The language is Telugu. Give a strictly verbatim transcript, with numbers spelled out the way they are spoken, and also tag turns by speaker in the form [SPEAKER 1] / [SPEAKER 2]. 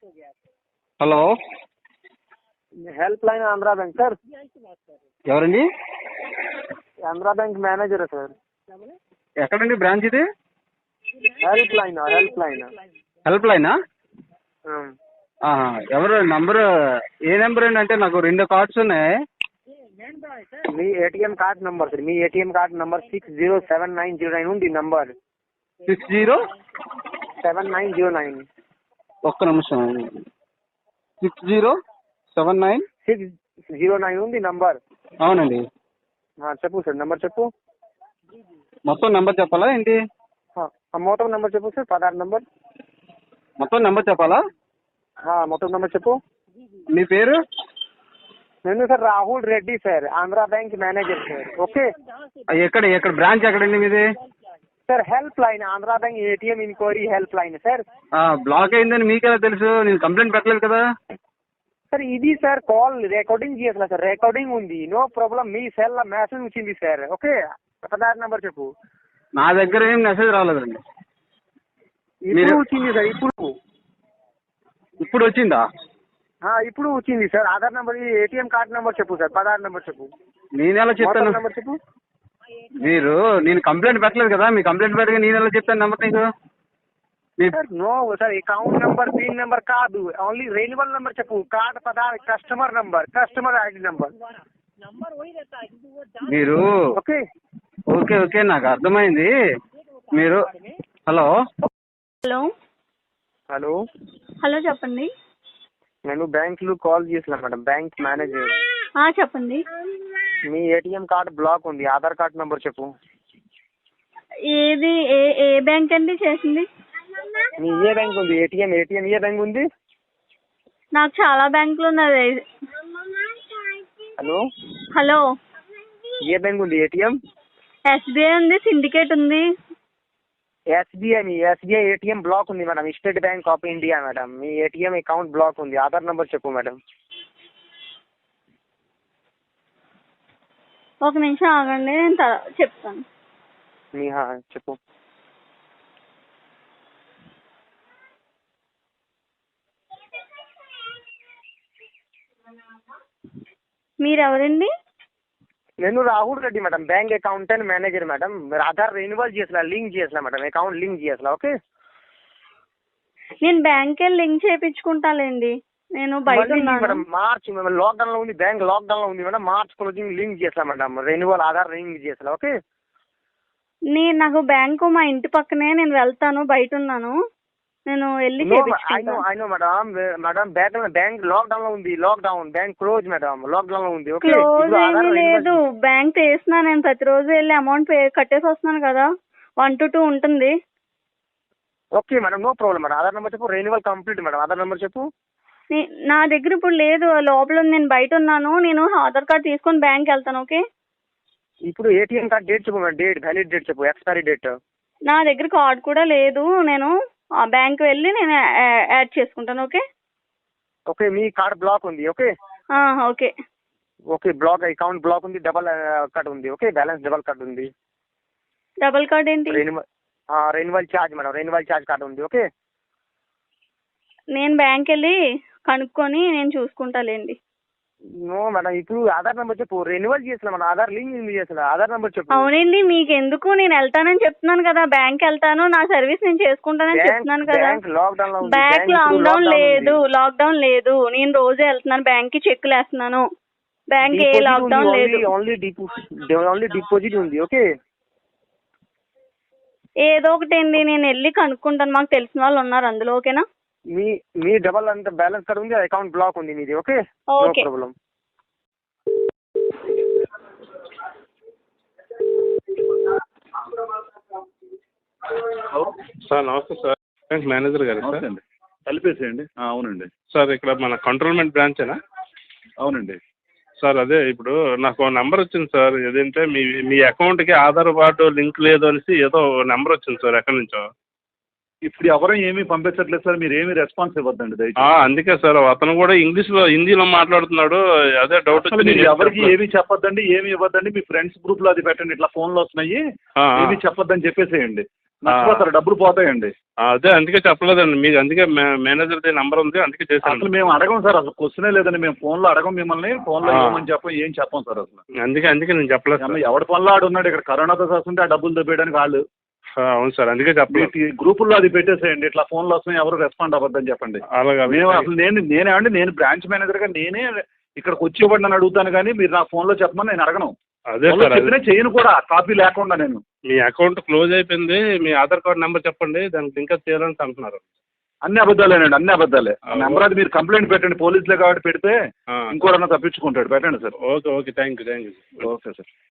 [SPEAKER 1] Hello,
[SPEAKER 2] help line Andhra bank sir.
[SPEAKER 1] ఎవరండి?
[SPEAKER 2] आंध्रा बैंक मैनेजर है सर।
[SPEAKER 1] ఎక్కడండి బ్రాంచ్ ఇది?
[SPEAKER 2] Help line help line
[SPEAKER 1] help లైనా? ఆహా, ఎవరు నంబరు? ఏ నెంబర్ అండి? అంటే నాకు రెండు కార్డ్స్ ఉన్నాయి.
[SPEAKER 2] మీ ఏటీఎం కార్డ్ నంబర్ సార్, మీ ATM card number six zero seven nine zero nine ఉంది number
[SPEAKER 1] six zero
[SPEAKER 2] seven nine zero nine
[SPEAKER 1] ఒక్క నిమిషం. Six zero seven nine
[SPEAKER 2] six zero nine ఉంది నంబర్.
[SPEAKER 1] అవునండి.
[SPEAKER 2] చెప్పు సార్, నంబర్ చెప్పు.
[SPEAKER 1] మొత్తం నెంబర్ చెప్పాలా ఏంటి?
[SPEAKER 2] మొత్తం నంబర్ చెప్పు సార్, పదహారు నంబర్.
[SPEAKER 1] మొత్తం నెంబర్ చెప్పాలా?
[SPEAKER 2] మొత్తం నంబర్ చెప్పు.
[SPEAKER 1] మీ పేరు?
[SPEAKER 2] నేను sir Rahul Reddy sir, Andhra bank manager sir. Okay,
[SPEAKER 1] ఎక్కడ ఎక్కడ బ్రాంచ్ ఎక్కడండి మీది?
[SPEAKER 2] Sir help line Andhra bank ATM enquiry help line sir.
[SPEAKER 1] Block అయిందని మీకెలా తెలుసు? నేను కంప్లైంట్ పెట్టలేదు కదా
[SPEAKER 2] సార్. ఇది సార్ కాల్ రికార్డింగ్ చేయాలి సార్, రికార్డింగ్ ఉంది, నో ప్రాబ్లం. మీ సెల్ మెసేజ్ వచ్చింది సార్. ఓకే, పదహారు నంబర్ చెప్పు.
[SPEAKER 1] నా దగ్గర ఏం మెసేజ్ రాలేదండి.
[SPEAKER 2] ఇప్పుడు వచ్చింది సార్, ఇప్పుడు
[SPEAKER 1] ఇప్పుడు వచ్చిందా?
[SPEAKER 2] ఇప్పుడు వచ్చింది sir. Aadhaar number, ATM card number చెప్పు సార్, పదహారు నంబర్ చెప్పు.
[SPEAKER 1] నేను ఎలా చెప్తాను?
[SPEAKER 2] నంబర్ చెప్పు.
[SPEAKER 1] మీరు నేను కంప్లైంట్ పెట్టలేదు కదా, మీ కంప్లైంట్ పెట్టగా నేను ఎలా చెప్తాను నెంబర్ నీకు?
[SPEAKER 2] Sir no sir, account number pin number కాదు, ఓన్లీ రెన్యువల్ నంబర్ చెప్పు. కార్డ్ పదహారు customer number, customer ID number.
[SPEAKER 1] మీరు
[SPEAKER 2] ఓకే
[SPEAKER 1] ఓకే ఓకే నాకు అర్థమైంది. మీరు హలో
[SPEAKER 3] హలో
[SPEAKER 2] హలో
[SPEAKER 3] హలో చెప్పండి.
[SPEAKER 2] నేను బ్యాంక్ లో కాల్ చేసిన మేడం, బ్యాంక్ మేనేజర్.
[SPEAKER 3] చెప్పండి.
[SPEAKER 2] మీ ఏటీఎం కార్డ్ బ్లాక్ ఉంది, ఆధార్ కార్డ్ నంబర్ చెప్పు.
[SPEAKER 3] ఏది ఏ ఏ బ్యాంక్ అండి చేసింది?
[SPEAKER 2] మీ ఏ బ్యాంక్ ఉంది? ఏటీఎం ఏటీఎం ఏ బ్యాంక్ ఉంది?
[SPEAKER 3] నాకు చాలా బ్యాంకులు ఉన్నది.
[SPEAKER 2] హలో
[SPEAKER 3] హలో
[SPEAKER 2] ఏ బ్యాంక్ ఉంది ఏటీఎం?
[SPEAKER 3] ఎస్బీఐ ఉంది, సిండికేట్ ఉంది.
[SPEAKER 2] ఎస్బీఐ, మీ ఎస్బీఐ ఏటీఎం బ్లాక్ ఉంది madam. State bank of India madam, మీ ఏటీఎం అకౌంట్ బ్లాక్ ఉంది. ఆధార్ నంబర్ చెప్పు మేడం.
[SPEAKER 3] ఒక నిమిషం ఆగండి, నేను త- చెప్తాను.
[SPEAKER 2] మీ చెప్పు.
[SPEAKER 3] మీరెవరండి?
[SPEAKER 2] నేను Rahul Reddy madam, bank accountant manager madam. మీరు ఆధార్ రెన్యువల్ చేసలా, లింక్ చేసలా మేడం, అకౌంట్ లింక్ చేసలా. ఓకే,
[SPEAKER 3] నేను బ్యాంక్ వెళ్ళి లింక్ చేయించుకుంటాలేండి. నేను బయట ఉన్నాను.
[SPEAKER 2] మేడం మార్చ్ లాక్డౌన్ లో ఉంది, బ్యాంక్ లాక్డౌన్ లో ఉంది మేడం. మార్చ్ క్లోజింగ్ లింక్ చేసలా మేడం, రెన్యువల్ ఆధార్ లింక్ చేసలా. ఓకే,
[SPEAKER 3] నేను నాకు బ్యాంకు మా ఇంటి పక్కనే, నేను వెళ్తాను, బయట ఉన్నాను, నేను వెళ్ళి చేయించుకుంటాను.
[SPEAKER 2] అయినో madam, madam bank bank lockdown లో ఉంది, lockdown bank close madam, lockdown లో ఉంది. ఓకే,
[SPEAKER 3] క్లోజ్ ఏమీ లేదు, బ్యాంక్ వేసినా నేను ప్రతిరోజు వెళ్ళి అమౌంట్ పే కట్టేసి వస్తున్నాను కదా, వన్ టు టూ ఉంటుంది.
[SPEAKER 2] Okay madam, no problem madam. Aadhaar number చెప్పు. Renewal complete madam, Aadhaar number చెప్పు.
[SPEAKER 3] నే- నా దగ్గర ఇప్పుడు లేదు, లోపల ఉంది, నేను బయట ఉన్నాను. నేను ఆధార్ కార్డ్ తీసుకొని బ్యాంక్ వెళ్తాను. ఓకే,
[SPEAKER 2] ఇప్పుడు ఏటీఎం కార్డ్ డేట్ చెప్పు మేడం, డేట్ వ్యాలిడ్ డేట్ చెప్పు, ఎక్స్పైరీ డేట్.
[SPEAKER 3] నా దగ్గర కార్డ్ కూడా లేదు, నేను ఆ బ్యాంక్ వెళ్ళి నేను యా- యాడ్ చేసుకుంటాను. ఓకే
[SPEAKER 2] ఓకే, మీ కార్డ్ బ్లాక్ ఉంది. ఓకే
[SPEAKER 3] ఆ, okay
[SPEAKER 2] okay, block account block ఉంది, డబల్ కట్ ఉంది. ఓకే, బ్యాలెన్స్ డబల్ కట్ ఉంది.
[SPEAKER 3] డబల్ కార్డ్ ఏంటి?
[SPEAKER 2] Renewal renewal charge madam, renewal charge card ఉంది. ఓకే,
[SPEAKER 3] నేను బ్యాంక్ వెళ్ళి కనుక్కొని నేను చూసుకుంటాలేండి.
[SPEAKER 2] నో మేడం, ఇప్పుడు ఆధార్ నెంబర్ చెప్పు. రెన్యువల్ చేసిన మేడం, ఆధార్ లింక్ చేసిన, ఆధార్ నెంబర్ చెప్పు.
[SPEAKER 3] అవునండి, మీకు ఎందుకు, నేను వెళ్తానని చెప్తున్నాను కదా, బ్యాంక్ వెళ్తాను, నా సర్వీస్ నేను చేసుకుంటానని చెప్తున్నాను కదా.
[SPEAKER 2] బ్యాంక్ లాక్డౌన్ లో ఉంది.
[SPEAKER 3] బ్యాంక్ లాక్డౌన్ లేదు, లాక్డౌన్ లేదు, నేను రోజే వెళ్తున్నాను బ్యాంక్ కి, చెక్లు వేస్తున్నాను. బ్యాంక్ ఏ లాక్డౌన్ లేదు,
[SPEAKER 2] ఓన్లీ డిపాజిట్ ఓన్లీ డిపాజిట్ ఉంది. ఓకే,
[SPEAKER 3] ఏదో ఒకటి అండి, నేను వెళ్ళి కనుక్కుంటాను, మాకు తెలిసిన వాళ్ళు ఉన్నారు అందులో. ఓకేనా?
[SPEAKER 2] మీ మీ డబల్ అంత బ్యాలెన్స్ కార్డ్ ఉంది, అకౌంట్ బ్లాక్ ఉంది మీది. Okay, no
[SPEAKER 3] okay.
[SPEAKER 2] Problem.
[SPEAKER 4] Sir నమస్తే సార్, బ్యాంక్ మేనేజర్ గారు సార్.
[SPEAKER 5] కలిపేసేయండి. అవునండి
[SPEAKER 4] సార్ ఇక్కడ మన కంట్రోల్మెంట్ బ్రాంచేనా?
[SPEAKER 5] అవునండి.
[SPEAKER 4] సార్ అదే ఇప్పుడు నాకు నెంబర్ వచ్చింది సార్, ఏదంటే మీ మీ అకౌంట్కి ఆధార్ కార్డు లింక్ లేదు అనేసి ఏదో నెంబర్ వచ్చింది సార్, ఎక్కడి నుంచో.
[SPEAKER 5] ఇప్పుడు ఎవరూ ఏమీ పంపించట్లేదు సార్, మీరు ఏమీ రెస్పాన్స్ ఇవ్వద్దండి
[SPEAKER 4] ఆ,
[SPEAKER 5] దయచేసి.
[SPEAKER 4] అందుకే సార్ అతను కూడా ఇంగ్లీష్లో హిందీలో మాట్లాడుతున్నాడు, అదే డౌట్
[SPEAKER 5] అసలు
[SPEAKER 4] వచ్చి
[SPEAKER 5] మీరు
[SPEAKER 4] నేను
[SPEAKER 5] ఎవరికి
[SPEAKER 4] చెప్తున్నా.
[SPEAKER 5] ఏమీ చెప్పొద్దండి, ఏమీ ఇవ్వద్దండి. మీ ఫ్రెండ్స్ గ్రూప్ లో అది పెట్టండి, ఇట్లా ఫోన్లో వస్తున్నాయి,
[SPEAKER 4] ఆ, ఆ.
[SPEAKER 5] ఏమీ చెప్పొద్దని చెప్పేసేయండి. నష్టపోతారు, డబ్బులు పోతాయండి.
[SPEAKER 4] ఆ, అదే అందుకే చెప్పలేదండి మీకు, అందుకే మేనేజర్ నెంబర్ ఉంది అందుకే
[SPEAKER 5] అసలు
[SPEAKER 4] చేశాను.
[SPEAKER 5] మేము అడగం సార్, అసలు క్వశ్చనే లేదండి. మేము ఫోన్లో అడగం మిమ్మల్ని, ఫోన్లో
[SPEAKER 4] ఆ.
[SPEAKER 5] ఏమని చెప్పం, ఏం చెప్పం సార్ అసలు.
[SPEAKER 4] అందుకే అందుకే నేను చెప్పలేదు సార్.
[SPEAKER 5] అమ్మ, ఎవడి పనిలో ఆడు ఉన్నాడు ఇక్కడ, కరోనాతో వస్తుంటే ఆ డబ్బులు దొబ్బేయడానికి వాళ్ళు.
[SPEAKER 4] ఆ, అవును సార్ అందుకే చెప్పలేదు.
[SPEAKER 5] మీ గ్రూపుల్లో అది పెట్టేసేయండి, ఇట్లా ఫోన్లు వస్తున్నాయి ఎవరు రెస్పాండ్ అవ్వద్దని చెప్పండి.
[SPEAKER 4] అలాగే
[SPEAKER 5] మేము అసలు నేను నేనేమండి నేను బ్రాంచ్ మేనేజర్గా నేనే ఇక్కడికి వచ్చి ఇవ్వండి అని అడుగుతాను, కానీ మీరు నా ఫోన్లో చెప్పమని నేను అడగను.
[SPEAKER 4] అదే
[SPEAKER 5] ఫోన్లో
[SPEAKER 4] సార్ అదే.
[SPEAKER 5] చెప్పినా చేయను కూడా, కాపీ లేకుండా నేను.
[SPEAKER 4] మీ అకౌంట్ క్లోజ్ అయిపోయింది, మీ ఆధార్ కార్డ్ నెంబర్ చెప్పండి, దానికి ఇంకా చేయాలని అంటున్నారు.
[SPEAKER 5] అన్ని అబద్ధాలేనండి, అన్ని అబద్ధాలే.
[SPEAKER 4] ఆ,
[SPEAKER 5] నెంబర్ అది మీరు కంప్లైంట్ పెట్టండి, పోలీసులే కాబట్టి పెడితే
[SPEAKER 4] ఆ.
[SPEAKER 5] ఇంకోడన్నా తప్పించుకుంటాడు. పెట్టండి sir.
[SPEAKER 4] Okay okay thank you thank you.
[SPEAKER 5] Okay sir.